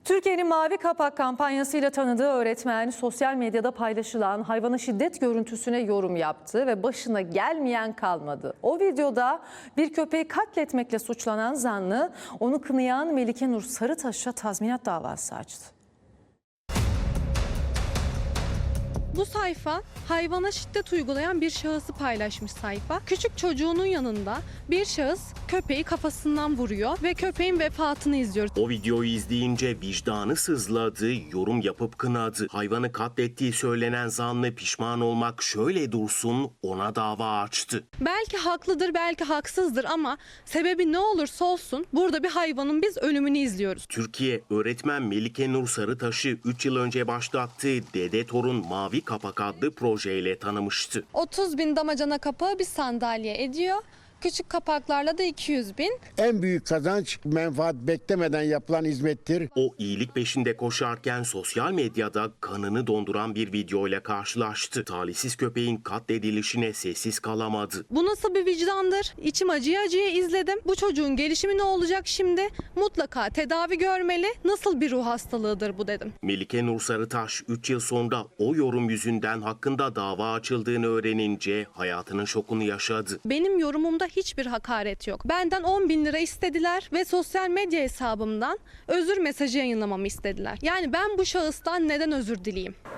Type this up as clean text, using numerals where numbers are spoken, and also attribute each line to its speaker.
Speaker 1: Türkiye'nin Mavi Kapak kampanyasıyla tanıdığı öğretmen sosyal medyada paylaşılan hayvana şiddet görüntüsüne yorum yaptı ve başına gelmeyen kalmadı. O videoda bir köpeği katletmekle suçlanan zanlı onu kınayan Melike Nur Sarıtaş'a tazminat davası açtı.
Speaker 2: Bu sayfa hayvana şiddet uygulayan bir şahısı paylaşmış sayfa. Küçük çocuğunun yanında bir şahıs köpeği kafasından vuruyor ve köpeğin vefatını izliyoruz.
Speaker 3: O videoyu izleyince vicdanı sızladı, yorum yapıp kınadı. Hayvanı katlettiği söylenen zanlı pişman olmak şöyle dursun ona dava açtı.
Speaker 2: Belki haklıdır, belki haksızdır ama sebebi ne olursa olsun burada bir hayvanın biz ölümünü izliyoruz.
Speaker 3: Türkiye öğretmen Melike Nur Sarıtaş'ı 3 yıl önce başlattığı Dede Torun Mavi Kapak adlı projeyle tanımıştı.
Speaker 2: 30.000 damacana kapağı bir sandalye ediyor. Küçük kapaklarla da 200.000.
Speaker 4: En büyük kazanç menfaat beklemeden yapılan hizmettir.
Speaker 3: O iyilik peşinde koşarken sosyal medyada kanını donduran bir videoyla karşılaştı. Talihsiz köpeğin katledilişine sessiz kalamadı.
Speaker 2: Bu nasıl bir vicdandır? İçim acıya acıya izledim. Bu çocuğun gelişimi ne olacak şimdi? Mutlaka tedavi görmeli. Nasıl bir ruh hastalığıdır bu dedim.
Speaker 3: Melike Nur Sarıtaş 3 yıl sonra o yorum yüzünden hakkında dava açıldığını öğrenince hayatının şokunu yaşadı.
Speaker 2: Benim yorumumda hiçbir hakaret yok. Benden 10.000 lira istediler ve sosyal medya hesabımdan özür mesajı yayınlamamı istediler. Yani ben bu şahıstan neden özür dileyeyim?